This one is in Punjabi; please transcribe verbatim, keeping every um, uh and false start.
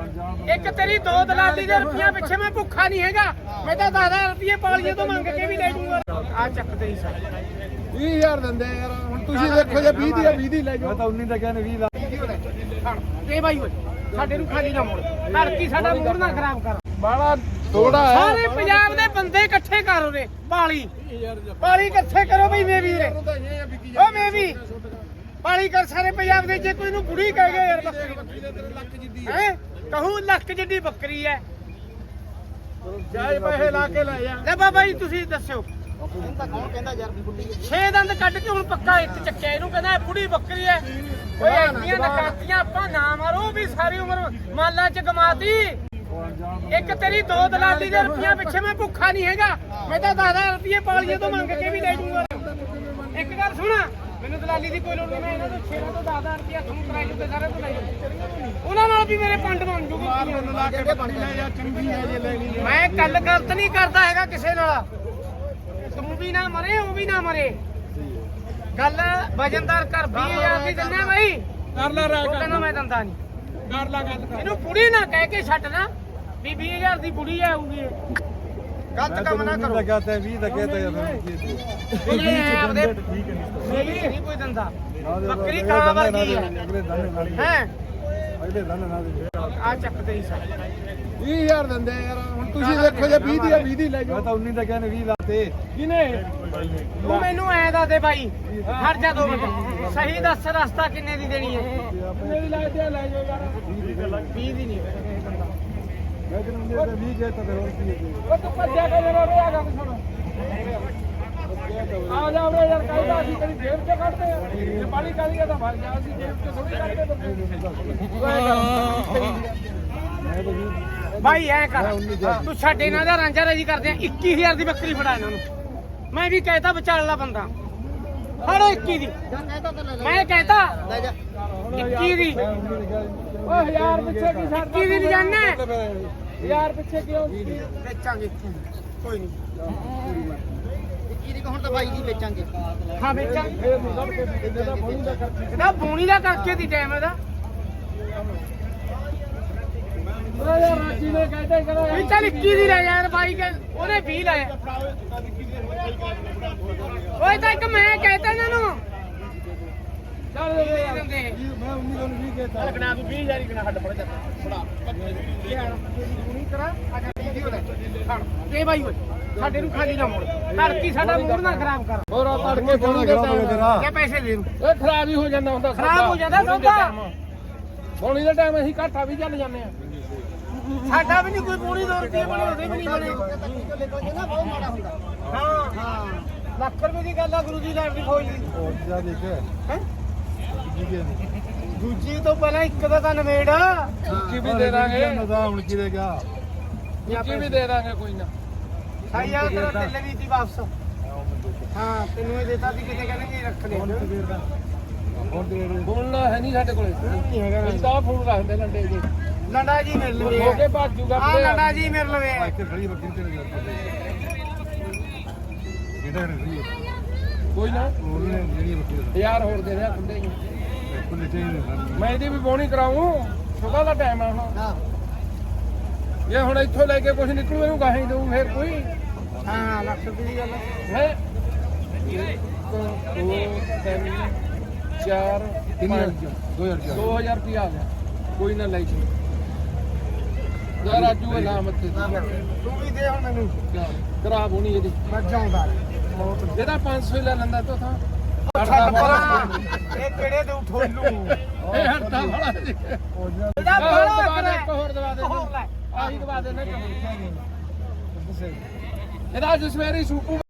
ਇੱਕ ਤੇਰੀ ਦੋ ਦਲਾਲੀ ਦੇ ਰੁਪਈਆ ਪਿੱਛੇ ਮੈਂ ਭੁੱਖਾ ਨਹੀਂ ਹੈਗਾ। ਮੈਂ ਤਾਂ ਦਸ ਹਜ਼ਾਰ ਰੁਪਏ ਪਾਲੀਏ ਤੋਂ ਮੰਗ ਕੇ ਵੀ ਲੈ ਜੂਗਾ। ਆ ਚੱਕ ਤੇਰੀ ਸਾਈ ਵੀਹ ਹਜ਼ਾਰ ਦਿੰਦੇ ਯਾਰ। ਹੁਣ ਤੁਸੀਂ ਦੇਖੋ ਜੇ ਵੀਹ ਦੀ ਆ ਵੀਹ ਦੀ ਲੈ ਜਾਓ। ਮੈਂ ਤਾਂ ਉਨੀ ਦਾ ਕਹਿੰਦੇ ਵੀਹ ਦਾ ਤੇ ਬਾਈ ਓਏ ਸਾਡੇ ਨੂੰ ਖਾਲੀ ਨਾ ਮੋੜ। ਘਰ ਕੀ ਸਾਡਾ ਮੂਡ ਨਾ ਖਰਾਬ ਕਰ। ਬਾਲਾ ਥੋੜਾ ਹੈ। ਸਾਰੇ ਪੰਜਾਬ ਦੇ ਬੰਦੇ ਇਕੱਠੇ ਕਰ ਉਰੇ ਪਾਲੀ ਪਾਲੀ ਇਕੱਠੇ ਕਰੋ ਬਈ ਮੈਂ ਵੀ ਓ ਮੈਂ ਵੀ ਪਾਲੀ ਕਰ ਸਾਰੇ ਪੰਜਾਬ ਦੇ। ਜੇ ਕੋਈ ਨੂੰ ਬੁੜੀ ਕਹਿ ਗਿਆ ਯਾਰ ਬੱਕਰੀ ਹੈ ਕਹੂੰ ਲੱਖ ਜਿੱਡੀ ਬੱਕਰੀ ਹੈ। ਜਾਇ ਪੈਸੇ ਲਾ ਕੇ ਲੈ ਜਾ। ਲੈ ਬਾਬਾ ਜੀ ਤੁਸੀਂ ਦੱਸਿਓ ਛੇ ਦੰਦ ਕੱਢ ਕੇ ਹੁਣ ਪੱਕਾ ਇੱਕ ਚੱਕਿਆ ਇਹਨੂੰ ਕਹਿੰਦਾ ਬੁੜੀ ਬੱਕਰੀ ਹੈ। ਓਏ ਐਡੀਆਂ ਨਕਾਤੀਆਂ ਆਪਾਂ ਨਾ ਮਾਰੋ ਵੀ ਸਾਰੀ ਉਮਰ ਮਾਲਾ ਚ ਗਮਾਤੀ। ਇੱਕ ਤੇਰੀ ਦੋ ਦਲਾਲੀ ਦੇ ਰੁਪਈਆ ਪਿੱਛੇ ਮੈਂ ਭੁੱਖਾ ਨਹੀਂ ਹੈਗਾ। ਮੈਂ ਤਾਂ ਦਸ ਹਜ਼ਾਰ ਰੁਪਏ ਪਾਲੀਏ ਤੋਂ ਮੰਗ ਕੇ ਵੀ ਲੈ ਜੂਗਾ। ਇੱਕ ਗੱਲ ਸੁਣਾ ਮੈਨੂੰ ਦਲਾਲੀ ਦੀ ਕੋਈ ਲੋੜ ਨਹੀਂ। ਮੈਂ ਇਹਨਾਂ ਤੋਂ ਛੇਰਾਂ ਤੋਂ ਦਸ ਹਜ਼ਾਰ ਰੁਪਇਆ ਤੁਹਾਨੂੰ ਕਰਾਈ ਜੂਗੇ ਸਾਰੇ ਤੋਂ ਲੈ ਜਾਊ। ਉਹਨਾਂ ਨਾਲ ਵੀ ਮੇਰੇ ਪੰਡ ਬਣ ਜੂਗੀ। ਮੈਂ ਕੱਲ ਗਲਤ ਨਹੀਂ ਕਰਦਾ ਹੈਗਾ ਕਿਸੇ ਨਾਲ। ਤੂੰ ਵੀ ਨਾ ਮਰੇ ਉਹ ਵੀ ਨਾ ਮਰੇ। ਗੱਲ ਵਜਨਦਾਰ ਕਰ ਵੀਹ ਹਜ਼ਾਰ ਦੀ ਦਿੰਦਾ ਬਾਈ ਕਰ ਲੈ ਰਾਜ ਕਹਿੰਦਾ ਮੈਂ ਦਿੰਦਾ ਨਹੀਂ। ਕਰ ਲੈ ਗੱਲ ਕਰ। ਇਹਨੂੰ ਬੁੜੀ ਨਾ ਕਹਿ ਕੇ ਛੱਡ ਨਾ ਵੀ ਵੀਹ ਹਜ਼ਾਰ ਦੀ ਬੁੜੀ ਆਊਗੀ। ਗਲਤ ਕੰਮ ਨਾ ਕਰੋ। ਲੱਗਾ ਤੇ ਵੀਹ ਦਾ ਕਹਤਾ ਯਾਰ ਇਹ ਆਪਦੇ ਨਹੀਂ ਕੋਈ ਦਿੰਦਾ। ਬੱਕਰੀ ਕਾਂ ਵਰਗੀ ਹੈ ਅਗਲੇ ਦਾਣੇ ਨਾਲ ਹੈ। ਅਗਲੇ ਦਾਣੇ ਨਾਲ ਆ ਚੱਕ ਤੇਰੀ ਸਾਈ ਵੀਹ ਹਜ਼ਾਰ ਦਿੰਦੇ ਯਾਰ। ਹੁਣ ਤੁਸੀਂ ਦੇਖੋ ਜੇ ਵੀਹ ਦੀ ਆ ਵੀਹ ਦੀ ਲੈ ਮੈਂ ਜਾਓ। ਤਾਂ ਉਨੀ ਦਾ ਕਹਿੰਦੇ ਵੀਹ ਦਾ ਤੇ ਕਿਨੇ ਤੂੰ ਮੈਨੂੰ ਐ ਦੱਸ ਦੇ ਬਾਈ ਹਟ ਜਾ ਦੋ ਮਿੰਟ ਸਹੀ ਦੱਸ ਰਸਤਾ ਕਿੰਨੇ ਦੀ ਦੇਣੀ ਹੈ। ਕਿੰਨੇ ਦੀ ਲੈ ਜਾ ਲੈ ਜਾਓ ਯਾਰ। ਵੀਹ ਦੀ ਨਹੀਂ ਮੈਂ ਕਹਿੰਦਾ ਵੀਹ ਕਹਤਾ ਤੇ ਹੋਰ ਕੀ ਉਹ ਤੂੰ ਭੱਜਿਆ ਕੇ ਜਰਾ ਰੇ ਆ ਗੱਲ ਸੁਣ। ਆ ਜਾ ਵੇ ਯਾਰ ਕਾਇਦਾ ਅਸੀਂ ਕਦੀ ਜੇਬ ਚ ਕੱਢਦੇ ਆ। ਇਹ ਪਾਣੀ ਕਾਲੀ ਦਾ ਭਰ ਗਿਆ ਅਸੀਂ ਜੇਬ ਚ ਥੋੜੀ ਕੱਢਦੇ। ਬਾਈ ਐ ਕਰ ਤੂੰ ਛੱਡ ਇਹਨਾਂ ਦਾ ਰਾਂਝਾ ਰਾਜੀ ਕਰਦੇ ਆ। ਇੱਕੀ ਹਜ਼ਾਰ ਦੀ ਬੱਕਰੀ ਫੜਾ ਇਹਨਾਂ ਨੂੰ। ਮੈਂ ਵੀ ਕਹਿਤਾ ਵਿਚਾਲਾ ਬੰਦਾ ਫੜੋ ਇੱਕੀ ਦੀ। ਮੈਂ ਕਹਿਤਾ ਇੱਕੀ ਦੀ। ਓ ਹਜ਼ਾਰ ਪਿੱਛੇ ਕੀ ਛੱਡ ਇੱਕੀ ਦੀ ਨਹੀਂ ਜਾਣਾ ਹਜ਼ਾਰ ਪਿੱਛੇ ਕਿਉਂ? ਵੇਚਾਂਗੇ ਕੋਈ ਨਹੀਂ। ਹੁਣ ਤਾਂ ਬਾਈ ਦੀ ਵੇਚਾਂਗੇ। ਹਾਂ ਵੇਚਾਂਗੇ। ਫੇਰ ਮੁੰਡਾ ਇਹਦੇ ਦਾ ਬੋਣੀ ਦਾ ਕਰਕੇ ਇਹਦਾ ਬੋਣੀ ਦਾ ਕਰਕੇ ਦੀ ਟਾਈਮ ਇਹਦਾ ਓ ਯਾਰ ਰਾਜੀ ਨੇ ਕਹਿੰਦੇ ਕਰੋ ਵੀ ਚੱਲ ਇੱਕੀ ਦੀ ਲੈ ਯਾਰ ਬਾਈ ਕੇ ਉਹਨੇ ਵੀਹ ਲਾਇਆ। ਓਏ ਤਾਂ ਇੱਕ ਮੈਂ ਕਹਿਤਾ ਇਹਨਾਂ ਨੂੰ ਚੱਲ ਦੇ ਯਾਰ। ਦਿੰਦੇ ਮੈਂ ਉਨੀ ਦਾ ਵੀਹ ਕਹਤਾ ਲੱਗਣਾ ਤੂੰ ਵੀਹ ਹਜ਼ਾਰ ਹੀ ਕਿਨਾ ਹੱਡ ਪੜ ਜਾ ਫੜਾ ਨਹੀਂ ਕਰਾ ਆ ਜਾ ਵੀਡੀਓ ਲੈ ਫੜ ਤੇ ਬਾਈ ਓਏ ਸਾਡੇ ਨੂੰ ਖਾਲੀ ਨਾ ਮੋੜ। ਘਰ ਕੀ ਸਾਡਾ ਮੂਡ ਨਾ ਖਰਾਬ ਕਰ। ਹੋਰ ਆ ਤੜਕੇ ਬੋਣੀ ਦੇ ਟਾਈਮ ਇਹ ਪੈਸੇ ਦੇ ਦੂੰ ਓਏ ਖਰਾਬ ਹੀ ਹੋ ਜਾਂਦਾ ਹੁੰਦਾ। ਖਰਾਬ ਹੋ ਜਾਂਦਾ ਸੌਦਾ। ਬੋਣੀ ਦੇ ਟਾਈਮ ਅਸੀਂ ਘਾਟਾ ਵੀ ਚੱਲ ਜਾਂਦੇ ਆ। ਸਾਡਾ ਵੀ ਨਹੀਂ ਕੋਈ ਪੂਰੀ ਦੋ ਰੁਪਏ ਬਣੇ ਉਹਦੇ ਵੀ ਨਹੀਂ ਬਣੇ। ਬਹੁਤ ਮਾੜਾ ਹੁੰਦਾ। ਹਾਂ ਹਾਂ ਲੱਖ ਰੁਪਏ ਦੀ ਗੱਲ ਆ ਗੁਰੂ ਜੀ ਲਾਈਫ ਦੀ ਫੌਜ ਦੀ ਹੋਰ ਜਾ ਦੇਖ ਹੈ। ਜੀ ਕੀ ਦੂਜੀ ਤੋਂ ਪਹਿਲਾਂ ਇੱਕ ਦਾ ਤਾਂ ਨਵੇੜ ਉੱਚੀ ਵੀ ਦੇ ਦਾਂਗੇ। ਨਜ਼ਾ ਹੁਣ ਕੀ ਦੇਗਾ ਉੱਚੀ ਵੀ ਦੇ ਦਾਂਗੇ ਕੋਈ ਨਾ। ਸਾਈ ਆ ਤੇਰਾ ਤਿੱਲੇ ਵੀ ਸੀ ਵਾਪਸ। ਹਾਂ ਤੈਨੂੰ ਇਹ ਦੇਤਾ ਸੀ ਕਿਤੇ ਕਹਿੰਦੇ ਰੱਖ ਲੈ। ਹੁਣ ਦੇ ਬੋਲਣਾ ਹੈ ਨਹੀਂ ਸਾਡੇ ਕੋਲੇ। ਨਹੀਂ ਹੈਗਾ ਅਸੀਂ ਤਾਂ ਫੋਨ ਰੱਖਦੇ ਲੰਡੇ ਜੀ। ਲੰਡਾ ਜੀ ਮਿਲ ਲਵੇ ਹੋ ਕੇ ਭੱਜ ਜੂਗਾ ਆ ਲੰਡਾ ਜੀ ਮਿਲ ਲਵੇ। ਇੱਥੇ ਖੜੀ ਬੱਕਰੀ ਤੇ ਜਾ ਕਿਹੜਾ ਰਹੀ ਕੋਈ ਨਾ ਉਹਨੇ ਜਿਹੜੀ ਬੱਕਰੀ ਯਾਰ ਹੋਰ ਦੇ ਰਿਹਾ ਖੁੱਲੇ ਹੀ। ਕੋਲੇ ਚਾਹੀਦੇ ਮੈਂ ਇਹਦੀ ਵੀ ਬੋਣੀ ਕਰਾਉਂ। ਸੁਬਾ ਦਾ ਟਾਈਮ ਆ ਹੁਣ। ਹਾਂ ਇਹ ਹੁਣ ਇੱਥੋਂ ਲੈ ਕੇ ਕੁਝ ਨਿਕਲੂ ਇਹਨੂੰ ਗਾਹੀਂ ਦਊ ਫੇਰ ਕੋਈ ਹਾਂ ਲੱਖ ਰੁਪਏ ਦੀ ਗੱਲ ਹੈ। ਇੱਕ ਦੋ ਤਿੰਨ ਚਾਰ ਪੰਜ ਦੋ ਹਜ਼ਾਰ ਚਾਰ ਦੋ ਹਜ਼ਾਰ ਰੁਪਇਆ ਆ ਗਿਆ। ਕੋਈ ਨਾ ਲੈ ਜੀ ਯਾਰ ਰਾਜੂ ਅਲਾਮਤ ਤੇ ਤੂੰ ਵੀ ਦੇ ਹੁਣ ਮੈਨੂੰ ਕਰਾ ਬੋਣੀ ਇਹਦੀ। ਮੈਂ ਜਾਉਂਦਾ ਇਹਦਾ ਪੰਜ ਸੌ ਲੈ ਲੈਂਦਾ ਤੋ ਥਾਂ। ਇਹ ਕਿਹੜੇ ਦੇ ਠੋਲੂ ਇਹ ਹੜਤਾ ਵਾਲਾ ਜੀ। ਇਹਦਾ ਹੋਰ ਬੜਾ ਦਵਾ ਦੇ, ਕਰੇ ਇੱਕ ਹੋਰ ਦਵਾ ਦੇ। ਹੋਰ ਲੈ ਆਹੀ ਦਵਾ ਦੇ ਨਾ। ਇਹਦਾ ਅੱਜ ਸਵੇਰੇ ਸੂਪੂ